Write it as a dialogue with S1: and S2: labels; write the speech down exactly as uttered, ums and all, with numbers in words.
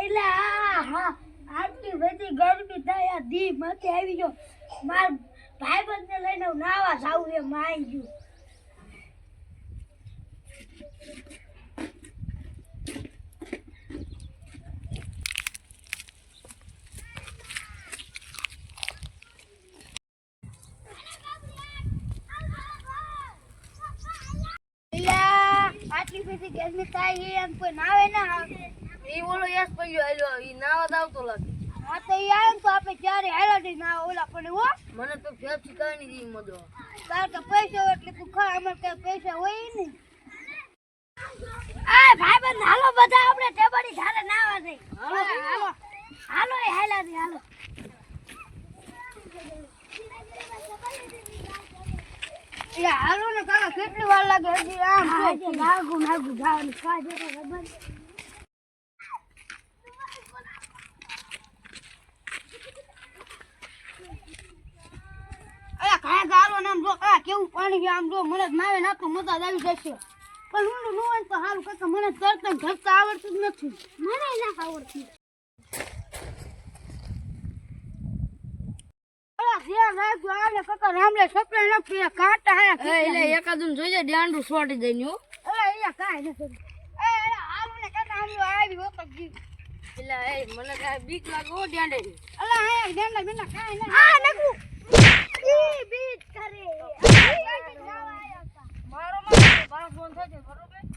S1: એટલે આ હા આટલી બધી ગરમી થાય આ દી માથે આવી ગયો માર ભાઈબંધને લઈને હું નાવા જાઉં એ માઈ ગયું આટલી બધી ગરમી થાય એમ કોઈ નાવે ના
S2: એ ઓલો યસ પડ્યો આલ્યો ઈ નાવા દાવતો લાગે
S1: હા તો ઈ આવે તો આપણે ક્યારે હેલાડી ના ઓલા પણ હો
S2: મને તો ફેર શીખાય નહીં ઈ મજો
S1: તાર તો પૈસા હોય એટલે તું ખા અમાર કઈ પૈસા હોય ને આ ભાઈબંધ હાલો બધા આપણે ટેબડી ઘારે નાવા જઈ હાલો હાલો હાલો એ હેલાડી હાલો યા હાલો ને કાકા કેટલી વાર લાગે હજી આમ તો નાગુ નાગુ જવાનું કાજે તો ખબર અરે કાયા ગાલો નામ જો આ કેવું પાણી છે આમ જો મને નાવે ના તો મજા જ આવી જશે પણ હું નો હોય તો હારું કાકા મને તરત ઘસતા આવડતું જ નથી મને ના આવડતું ધ્યાન રાખજો આને કાકા રામલે સપને ન પીએ કાંટા હે
S2: એટલે એકાદું જોઈજે ડાંડું છોડી દઈને હો
S1: અરે અહીંયા કાઈ નથી એ અરે હાલું ને કાકા આમ આવી હો તો જી
S2: એટલે એ મને કાઈ બીક લાગે હો ડાંડે
S1: અલા હે ડેંડા બેના કાઈ ન આ નકુ ઈ બીટ કરે
S2: મારો મારો મારો ફોન થશે બરોબર